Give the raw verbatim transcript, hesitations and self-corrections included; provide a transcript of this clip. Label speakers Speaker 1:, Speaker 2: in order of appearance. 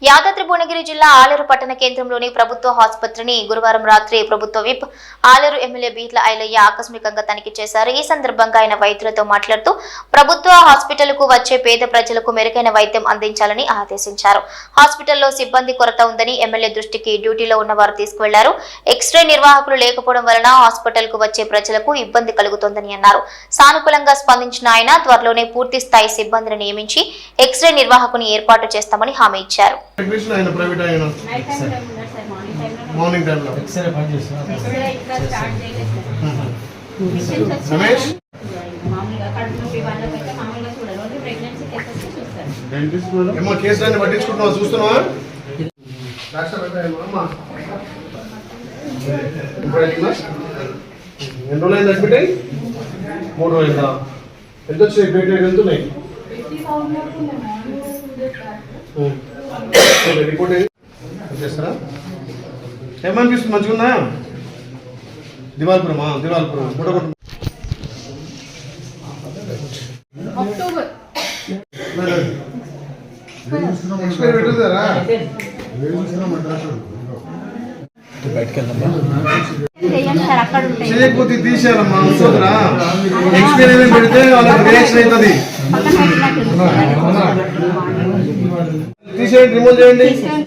Speaker 1: యాదాద్రి భువనగిరి జిల్లా ఆలేరు పట్టణ కేంద్రంలోని ప్రభుత్వ ఆసుపత్రిని గురువారం రాత్రి ప్రభుత్వ విప్ ఆలేరు ఎమ్మెల్యే బీట్ల ఐలయ్య ఆకస్మికంగా తనిఖీ చేశారు. ఈ సందర్భంగా ఆయన వైద్యులతో మాట్లాడుతూ ప్రభుత్వ హాస్పిటల్కు వచ్చే పేద ప్రజలకు మెరుగైన వైద్యం అందించాలని ఆదేశించారు. హాస్పిటల్లో సిబ్బంది కొరత ఉందని ఎమ్మెల్యే దృష్టికి డ్యూటీలో ఉన్న వారు తీసుకువెళ్లారు. ఎక్స్రే నిర్వాహకులు లేకపోవడం వలన హాస్పిటల్కు వచ్చే ప్రజలకు ఇబ్బంది కలుగుతోందని అన్నారు. సానుకూలంగా స్పందించిన ఆయన త్వరలోనే పూర్తి స్థాయి సిబ్బందిని నియమించి ఎక్స్రే నిర్వాహకుని ఏర్పాటు చేస్తామని హామీ ఇచ్చారు.
Speaker 2: టెక్నీషియన్ అయిన ప్రైవేట్ అయిన మార్నింగ్ టైం లో ఎక్స్రే పని చేస్తున్నారు. ఎక్స్రే ఇంకా స్టార్ట్ చేయలేదు సార్. రమేష్ మామూలుగా కడుపు నొప్పి వాళ్ళకైతే మామూలుగా చూడాలి. ఓన్లీ ప్రెగ్నెన్సీ కేసెస్ చూస్తారు. డెంటిస్ట్ మేడం ఏమో కేసులన్నీ పట్టించుకుంటున్నావా? చూస్తున్నావా? డాక్టర్ అయిపోయామా అమ్మా? ఎన్ని రోజులు అయింది అడ్మిట్ అయ్యి? మూడు రోజులు. ఎంత వచ్చాయి? పేట ఎంత ఉన్నాయి? రిపోర్ట్ చేస్తారా? ఏమనిపిస్తుంది? మంచిగా ఉందా? దివాల్పురమా? దివాల్పురం ఫోటో చేయకపోతే తీసేయాలమ్మా. చూడరా ఎక్స్పీరియన్స్ పెడితే వాళ్ళకి రియాక్షన్ అవుతుంది. తీసేయండి, రిమూవ్ చేయండి.